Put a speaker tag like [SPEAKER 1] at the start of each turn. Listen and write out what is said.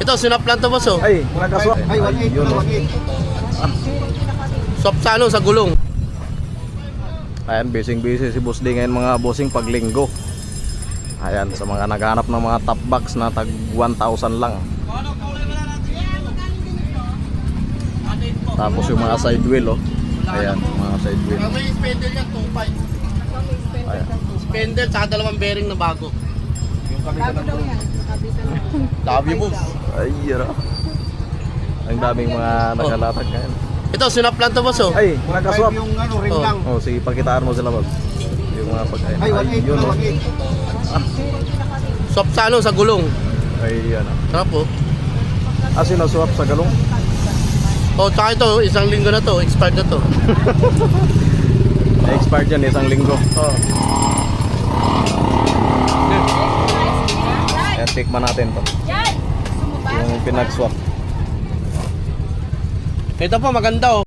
[SPEAKER 1] Ito, sinaplan to boss oh.
[SPEAKER 2] Ay, nagkaswap.
[SPEAKER 3] Ay, 1.8.
[SPEAKER 2] Yun, oh.
[SPEAKER 3] 1.8.
[SPEAKER 1] Swap sa ano, sa gulong.
[SPEAKER 2] Ayan, busy si Boss D ngayon mga bossing paglinggo. Ayan, sa mga naghanap ng mga top box na tag 1,000 lang. Tapos yung mga side wheel, oh. Ayan, mga side wheel.
[SPEAKER 1] May spindle yan, 2.5.
[SPEAKER 2] Ayan.
[SPEAKER 1] Spindle, saka dalawang bearing na bago.
[SPEAKER 3] Bago daw yan.
[SPEAKER 1] Love you boss.
[SPEAKER 2] Ay, yun, oh. Ang daming mga nakalatag ngayon.
[SPEAKER 1] Ito, sinaplan to boss oh.
[SPEAKER 2] Ay, nagkaswap.
[SPEAKER 3] Yung ano, rim
[SPEAKER 1] Oh.
[SPEAKER 3] lang.
[SPEAKER 2] Oh, sige, pakitaan mo sila, boss. Yung mga pagkain.
[SPEAKER 3] Ay, 1.8.
[SPEAKER 2] yun, oh.
[SPEAKER 3] 1.8.
[SPEAKER 1] Swap sa ano, sa gulong.
[SPEAKER 2] Ay, yan, oh.
[SPEAKER 1] Sarap oh.
[SPEAKER 2] Sinaswap sa galong.
[SPEAKER 1] Oh, tsaka ito, isang linggo na to, expired na to.
[SPEAKER 2] Expired yan, isang linggo.
[SPEAKER 1] Oh.
[SPEAKER 2] Ayan, tikman natin to. Yung pinag-swap.
[SPEAKER 1] Ito po, maganda oh.